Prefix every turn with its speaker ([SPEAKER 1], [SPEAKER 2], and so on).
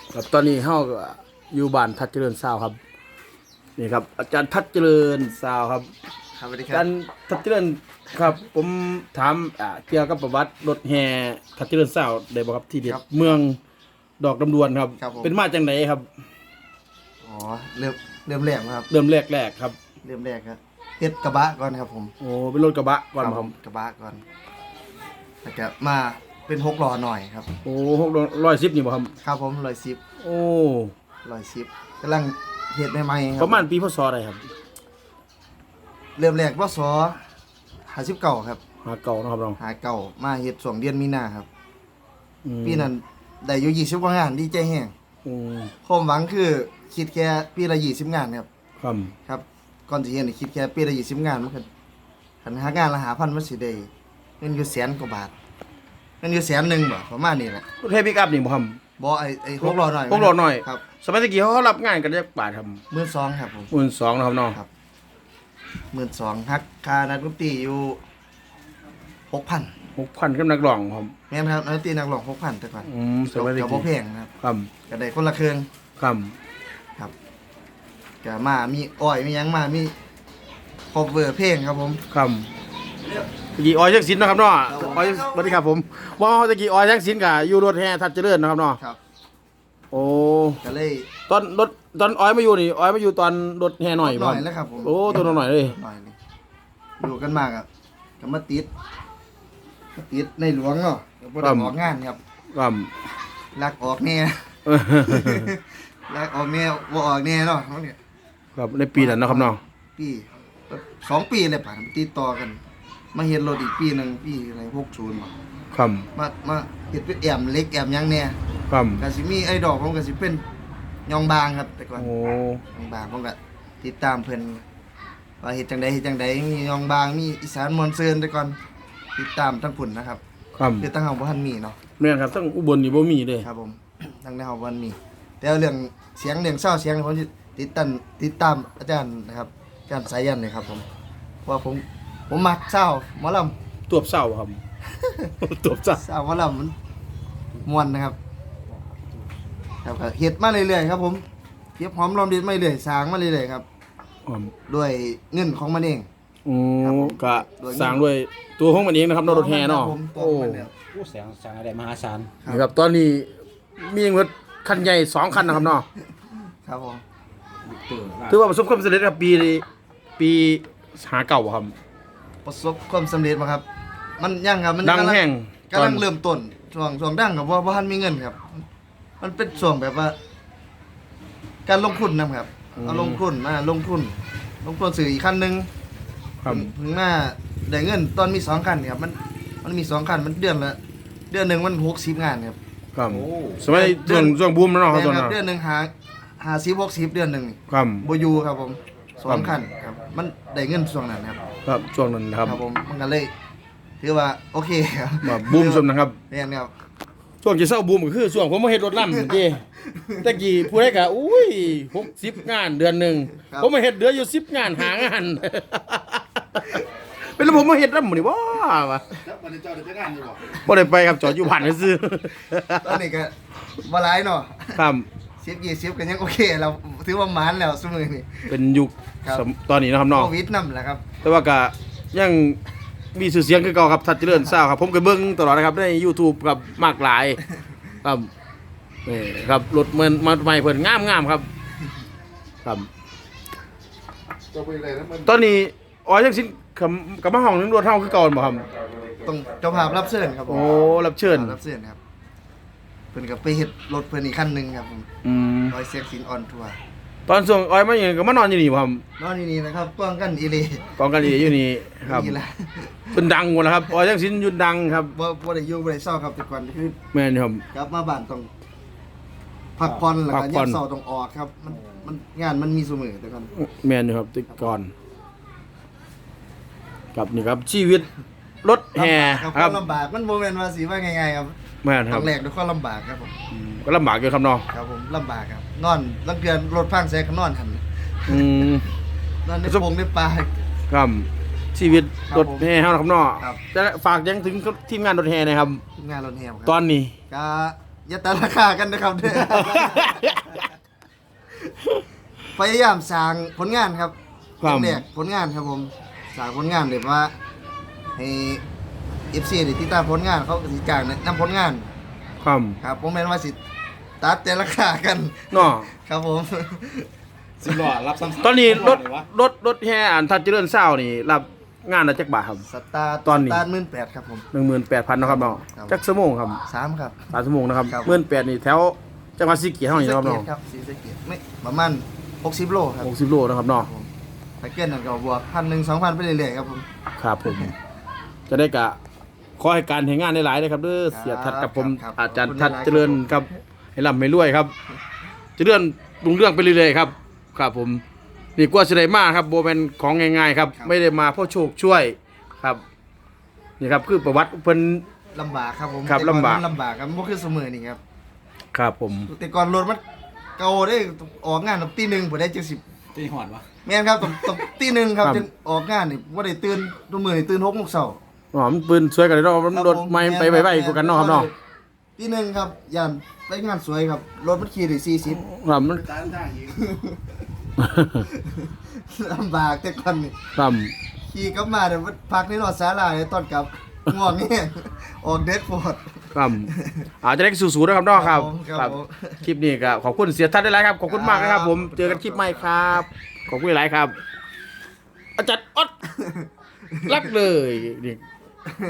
[SPEAKER 1] ครับตอนนี้เฮาก็อยู่บ้านทัดเจริญซาวครับนี่ครับอาจารย์ทัดเจริญซาวครับ
[SPEAKER 2] ครับสวัสดีค
[SPEAKER 1] อา
[SPEAKER 2] รั
[SPEAKER 1] จา
[SPEAKER 2] บ
[SPEAKER 1] รย์ทัดเจริญครับผมถามเกี่ยวกับประวัติรถแห่ทัดเจริญซาวได้บ่ครับที่เด็ดเมืองดอกลำดวนครับเป็นมาจังไดครับ
[SPEAKER 2] อ๋อเริ่มแรกนะครับ
[SPEAKER 1] เริ่มแรกครับ
[SPEAKER 2] เริ่มแรกครับเฮ็ดกระบะก่อนครับผม
[SPEAKER 1] โอ้เป็นรถกระบะก่อน
[SPEAKER 2] ครับ
[SPEAKER 1] ค
[SPEAKER 2] ผ
[SPEAKER 1] รับ
[SPEAKER 2] มกระบะก่อนแล้วก็มาเป็น6ล้อหน่อยครับ
[SPEAKER 1] โอ้610นี่บ่ครับ
[SPEAKER 2] ครับผม110
[SPEAKER 1] โอ้
[SPEAKER 2] 110กำลังเฮ็ดใหม่ๆค
[SPEAKER 1] ป
[SPEAKER 2] รับ
[SPEAKER 1] ระมาณปีพศอะไรครับ
[SPEAKER 2] เริ่มแรกพศ59ครับ
[SPEAKER 1] หาเก่าเนาะครับน้อง
[SPEAKER 2] หาเก่ามาเฮ็ดช่วงเดือนมีนาครับ
[SPEAKER 1] อืม
[SPEAKER 2] ปีนั้นได้อยู่20กว่างานดีใจแฮง
[SPEAKER 1] อืม
[SPEAKER 2] ความหวังคือคิดแค่ปีละ20งานครับ
[SPEAKER 1] ครับ
[SPEAKER 2] ครับก่อนสิเฮ็ดนี่คิดแค่ปีละ20งานมันก็คันหางานละ5,000มันสิได้เงินอยู่แสนกว่าบาทเงินอยู่แสนหนึงบ่ประมาณนี้แหละ
[SPEAKER 1] รถเฮปิกอัพนี่บ่ครับ
[SPEAKER 2] บ่ไอ้6ล้อหน่อย
[SPEAKER 1] 6ล้อหน่อย
[SPEAKER 2] ครับ
[SPEAKER 1] สมัยตะกี้เขารับงานกันจักบาทครับ
[SPEAKER 2] 12,000ครับผม
[SPEAKER 1] 12,000นะครับน้อง
[SPEAKER 2] ครับ 12,000ฮักค่านักดนตรีอยู่ 6,000
[SPEAKER 1] 6,000กับนักร้องครับ
[SPEAKER 2] แม่นครับนักดนตรีนักร้อง 6,000แต่ก่อน
[SPEAKER 1] สมัยตะ
[SPEAKER 2] ก็บ่
[SPEAKER 1] กี้
[SPEAKER 2] แพงนะครับ
[SPEAKER 1] ครับ
[SPEAKER 2] ก็ได้คนละเครื่อง
[SPEAKER 1] ครับ
[SPEAKER 2] ครับก็มามีอ้อยมีหยังมามีคอเวอร์เพลงครับผม
[SPEAKER 1] ครับตะกี้ออยจักสินเนาะครับเนาะ
[SPEAKER 2] ครับผม
[SPEAKER 1] ออยสวัสดีครับผมว่าตะกี้ออยจักสินก็อยู่รถแห่ทัดเจริญนะครับเนาะ
[SPEAKER 2] ครับ
[SPEAKER 1] โอ้
[SPEAKER 2] ก็เลย
[SPEAKER 1] ตอนออยมาอยู่นี่ออยมาอยู่ตอนรถแห่หน่อย
[SPEAKER 2] หน่อยแล้วครับผม
[SPEAKER 1] โอ้ตัวหน่อยเลย
[SPEAKER 2] หน่อยเลยอยู่กันมากอ่ะก็มาติดในหลวงเนาะก็บ่ได้ออกงานครับ
[SPEAKER 1] ครับ
[SPEAKER 2] ลักออกแน่ ลักออกแน่บ่ออกแน่เนาะเขาเนี่ย
[SPEAKER 1] ครับในปีนั้นเนาะครับเนาะ
[SPEAKER 2] ปี2 ปีเลยป่ะติดต่อกัน มาเฮ็ดรถอีกปีหนึงปีอะไร60บ่
[SPEAKER 1] ครับ
[SPEAKER 2] มาเฮ็ดเป็นแอมเล็กแอมหยังแน่
[SPEAKER 1] ครับ
[SPEAKER 2] ก็สิมีไอ้ดอกผมก็สิเป็นยองบางครับแต่ก่อน
[SPEAKER 1] โอ้
[SPEAKER 2] ยองบางผมก็ติดตามเพิ่นว่าเฮ็ดจังใดมียองบางมีอีสานมอนเซินแต่ก่อนติดตามทั้งพุ่นนะครับ
[SPEAKER 1] ครับ
[SPEAKER 2] คือตั้งเฮาบ่ทันมีเนาะ
[SPEAKER 1] แม่นครับทั้งอุบลนี่บ่มีเลย
[SPEAKER 2] ครับผม ทั้งในเฮาบ่ทันมี แต่เรื่องเสียงเรื่องเศร้าเสียงผมสิติดตามอาจารย์นะครับอาจารย์สายันเลยครับผมเพราะว่าผมมักเศร้าหมอลำ
[SPEAKER 1] ตัวบเศร้าครับ ตัวบเศร้า
[SPEAKER 2] เศร้าหมอลำมันม่วนนะครับครับก็เฮ็ดมาเรื่อยๆครับผมเก็บหอมรอมริบมาเรื่อยๆสร้างมาเรื่อยๆครับ
[SPEAKER 1] ครับ
[SPEAKER 2] ด้วยเงินของมันเอง
[SPEAKER 1] อื
[SPEAKER 2] ครับ
[SPEAKER 1] ม
[SPEAKER 2] ผม
[SPEAKER 1] ก็สร้างด้วยตัวของมันเองนะครับรถแห่เนาะ
[SPEAKER 2] ครับผมตัว
[SPEAKER 1] โอ้
[SPEAKER 2] ของมันเนี่ย
[SPEAKER 3] ผู้แสงสังอะไรมหาศาล
[SPEAKER 1] นี่ครับตอนนี้มีรถคันใหญ่2คันนะครับเนาะ
[SPEAKER 2] ครับผม
[SPEAKER 1] ถือว่าประสบความสำเร็จครับปีหาเก่าครับ
[SPEAKER 2] ประสบความสำเร็จบ่ครับ มันยังครับมัน
[SPEAKER 1] ดังแห้ง
[SPEAKER 2] กำลังเริ่มต้นช่วงดังกับว่าบ่ทันมีเงินครับ มันเป็นช่วงแบบว่า การลงทุนนะครับเอาลงทุนซื้ออีกคันหนึง
[SPEAKER 1] ครับ
[SPEAKER 2] ถึงมาได้เงินตอนมี2คันครับมันมี2คันมันเดือนหนึงมัน60งานครับ
[SPEAKER 1] ครับสมัยช่วงบูมแล้วเนาะครับ
[SPEAKER 2] แม่
[SPEAKER 1] ตอน
[SPEAKER 2] นค
[SPEAKER 1] นั้
[SPEAKER 2] รับ
[SPEAKER 1] น
[SPEAKER 2] เดือนหนึง50 60เดือนหนึงนี่
[SPEAKER 1] ครับ
[SPEAKER 2] บ่อยู่ครับผมสอ
[SPEAKER 1] ครั
[SPEAKER 2] ง
[SPEAKER 1] บ
[SPEAKER 2] คันครับ มันได้เงินช่วงนั้นครับ
[SPEAKER 1] ครับช่วงนั้นนะครับ
[SPEAKER 2] ครับผมมันก็เลยถือว่าโอเคครับ
[SPEAKER 1] มาบูมสมนะครับ
[SPEAKER 2] แม่นครับ
[SPEAKER 1] ช่วงที่เศร้าบูมก็คือช่วงผมมาเฮ็ดรถล่ำเจ้ตะกี้ผู้ใดก็อุ้ย60งานเดือนหนึงผมมาเฮ็ดเดือนอยู่10งานหางาน เป็นแล้วผมมาเฮ็ดล่ำหมื้นี่บ่วะ
[SPEAKER 3] แล้วมันจะเจ้าได้งานอยู่บ่
[SPEAKER 1] บ่ได้ไปครับจอดอยู่บ้านซื่อ
[SPEAKER 2] ตอนนี้ก็บ่หลายเนาะ
[SPEAKER 1] ครับ
[SPEAKER 2] 10 20ก็ยังโอเคเราถือว่าหมานแล้วซุมื้อนี้
[SPEAKER 1] เป็นยุค
[SPEAKER 2] ครับ
[SPEAKER 1] ตอนนี้นะครับน้อง
[SPEAKER 2] โควิดนำแหละครับ
[SPEAKER 1] แต่ว่าก็ยังมีชื่อเสียงคือเก่าครับทัดเจริญซาวครับผมก็เบิ่งตลอดนะครับใน YouTube ครับมากหลายครับนี่ครับรถมาใหม่เพิ่นงามครับครับ
[SPEAKER 3] จะไปเลยนะมัน
[SPEAKER 1] ตอนนี้อ๋อจังสิกับมาห้องนึงรถเฮาคือเก่าบ่ครับ
[SPEAKER 2] ต้องเจ้าภาพรับเชิญครับผม
[SPEAKER 1] โอ้รับเชิญ
[SPEAKER 2] รับเชิญครับเพิ่นก็ไปเฮ็ดรถเพิ่นอีกคันหนึงครับผม
[SPEAKER 1] อืม
[SPEAKER 2] ร้อยเสียงสินออนทัวร์
[SPEAKER 1] ตอนช่วงอ้อยมาอย่างก็มานอนอยู่นี่บ่ครับ
[SPEAKER 2] นอนนี่นะครับกว้างกันอีหลี
[SPEAKER 1] กองกันอยู่นี่ครับ
[SPEAKER 2] นี่ล่ะ
[SPEAKER 1] เพิ่นดังหมดแล้วครับอ๋อจังสิหยุดดังครับ
[SPEAKER 2] บ่ได้อยู่บ่ได้เศร้าครับแต่ก่อนคือ
[SPEAKER 1] แม่นครับ
[SPEAKER 2] กลับมาบ้านต้องพักผ่อนแล้ว
[SPEAKER 1] พั
[SPEAKER 2] ก็
[SPEAKER 1] กผ่
[SPEAKER 2] ยั
[SPEAKER 1] อน
[SPEAKER 2] งเศร้าต้องออกครับ มันงานมันมีเสมอแต่ก่อน
[SPEAKER 1] แม่นอยู่ครับแต่ก่อนครับนี่ครับชีวิตรถแห่
[SPEAKER 2] ครับ
[SPEAKER 1] ค
[SPEAKER 2] ค
[SPEAKER 1] รั
[SPEAKER 2] วา
[SPEAKER 1] บ
[SPEAKER 2] มลำบากมันบ่แม่นว่าสิว่าง่ายๆครับ
[SPEAKER 1] แม่นค
[SPEAKER 2] ต้
[SPEAKER 1] รั
[SPEAKER 2] อบ งแลกด้วยความลำบากครับผม
[SPEAKER 1] ก็ลำบากอยู่ครับเนาะ
[SPEAKER 2] ครับผมลำบากครับนอนลังเทื่อรถพังแซก็นอนหั่น
[SPEAKER 1] อืม
[SPEAKER 2] นอนในโพรงในป่า
[SPEAKER 1] ครับชีวิต
[SPEAKER 2] ครับ
[SPEAKER 1] รถแห่เฮานะครับเนาะ
[SPEAKER 2] ครับ
[SPEAKER 1] จะฝากยังถึงทีมงานรถแห่หนะครับ
[SPEAKER 2] ทีมงานรถแฮมครั
[SPEAKER 1] ตอนนี้
[SPEAKER 2] ก็อย่าตัดราคากันนะครับเด้อ พยายามสร้างผลงานครับ
[SPEAKER 1] ครับ
[SPEAKER 2] แรกผลงานครับผมสร้างผลงานเลยว่าให้ FC ได้ติดตามผลงานเขาก็สิจ้างนำผลงาน
[SPEAKER 1] ครับ
[SPEAKER 2] ครับผมแม่นว่าสิตัดแต่ราคากัน
[SPEAKER 1] เนาะ
[SPEAKER 2] ครับผม
[SPEAKER 3] สิบล้อรับซ้ำ
[SPEAKER 1] ตอนนี้รถ
[SPEAKER 3] เลยวะ
[SPEAKER 1] รถแห่อันทัดเจริญเศร้านี่รับงานละจักบาทครับ
[SPEAKER 2] สตาร์
[SPEAKER 1] ตอนนี้
[SPEAKER 2] สตาร์18,000ครับผม
[SPEAKER 1] 18,000เนาะครับเนาะ
[SPEAKER 2] ครับ
[SPEAKER 1] จักชั่วโมงครับ
[SPEAKER 2] 3ครับ
[SPEAKER 1] 3ชั่วโมงนะครับ
[SPEAKER 2] ครับ
[SPEAKER 1] 18,000นี่แถวจังหวัดศรีสะเกีเฮานี่เนาะครับเนาะ
[SPEAKER 2] ครับศรีสะเกษไม่ประมาณ60โลครับ
[SPEAKER 1] 60โลนะครับเนาะ
[SPEAKER 2] ผมถ้าเกินนั่นก็บวก1,000 2,000ไปเรื่อยๆครับผม
[SPEAKER 1] ครับผม จะได้กะขอให้การแห่งงานได้หลายเลยครับเด้อเสียทัดกับผม
[SPEAKER 2] ครับ
[SPEAKER 1] อาจารย์
[SPEAKER 2] ขอบคุณ
[SPEAKER 1] ทัด
[SPEAKER 2] หลายๆ
[SPEAKER 1] เจริญครับให้ร่ำให้รวยครับเจริญรุ่งเรื่องไปเรื่อยๆครับครับผมนี่กว่าสิได้มาครับโบเป็นของง่ายๆครับ ไม่ได้มาเพราะโชคช่วยครับนี่ครับคือประวัติเพิ่น
[SPEAKER 2] ลำบากครับผม
[SPEAKER 1] ครับ
[SPEAKER 2] แต่ก่อน
[SPEAKER 1] ลำบาก
[SPEAKER 2] มันลำบากครับบ่คือเสมอนี่ครับ
[SPEAKER 1] ครับผม
[SPEAKER 2] แต่ก่อนรถมันเก่าได้ออกงานตอนตีหนึ่งบ่ได้70
[SPEAKER 3] ตีหอดวะ
[SPEAKER 2] แม่นครับตอนตีหนึ่งครับจึงออกงานนี่บ่ได้ตื่นทุกมื้อนี่ตื่น6:00นเช้า
[SPEAKER 1] อ๋อมันปืนสวยกันเลยเนาะมันรถไม่ไปไวๆกว่ากันเนาะครับเนาะ
[SPEAKER 2] ตีหนึ่งครับย่านไปงานสวยครับรถมันขี่ได้40
[SPEAKER 1] ครับมัน
[SPEAKER 3] ตามทางอีก
[SPEAKER 2] ลำบากแต่ก่อนนี่
[SPEAKER 1] ครับ
[SPEAKER 2] ขี่กลับมาเดี๋ยวพักในรถศาลาเลยตอนกลับง่วงนี่ออกเด็ดโพด
[SPEAKER 1] ครับอาจจะได้สู้ๆนะครับเนาะครับ
[SPEAKER 2] ครับผม
[SPEAKER 1] คลิปนี้ก็ขอบคุณเสียทัดได้หลายครับขอบคุณมากนะครับผมเจอกันคลิปใหม่ครับขอบคุณหลายครับ อาจารย์ออดรักเลยนี่